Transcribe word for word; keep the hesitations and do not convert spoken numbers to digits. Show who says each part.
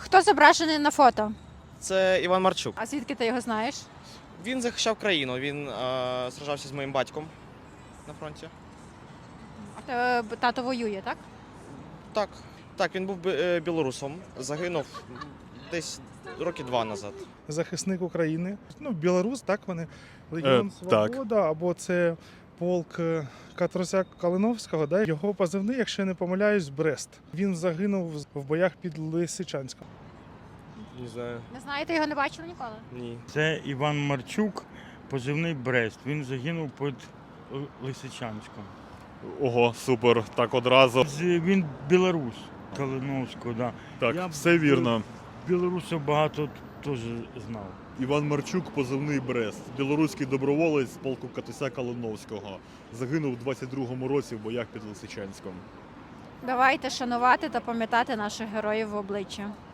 Speaker 1: Хто зображений на фото?
Speaker 2: Це Іван Марчук.
Speaker 1: А звідки ти його знаєш?
Speaker 2: Він захищав країну, він е, сражався з моїм батьком на фронті.
Speaker 1: А те- тато воює, так?
Speaker 2: Так, так, він був бі- е, білорусом, загинув десь роки два назад.
Speaker 3: Захисник України. Ну, білорус, так вони. Легіон
Speaker 4: Е, так.
Speaker 3: Свобода, або це полк е, Катросяк Калиновського. Да? Його позивний, якщо я не помиляюсь, Брест. Він загинув в боях під Лисичанськом.
Speaker 5: Не знаю.
Speaker 1: Не знаєте, його не бачили ніколи?
Speaker 5: Ні.
Speaker 6: Це Іван Марчук, позивний Брест. Він загинув під Л- Лисичанськом.
Speaker 4: Ого, супер, так одразу.
Speaker 6: З- Він білорус Калиновського, да.
Speaker 4: Так,
Speaker 6: Я
Speaker 4: все вірно.
Speaker 6: Білорусів багато теж знав.
Speaker 4: Іван Марчук, позивний Брест, білоруський доброволець з полку Катуся Калиновського. Загинув у двадцять другому році в боях під Лисичанськом.
Speaker 1: Давайте шанувати та пам'ятати наших героїв в обличчя.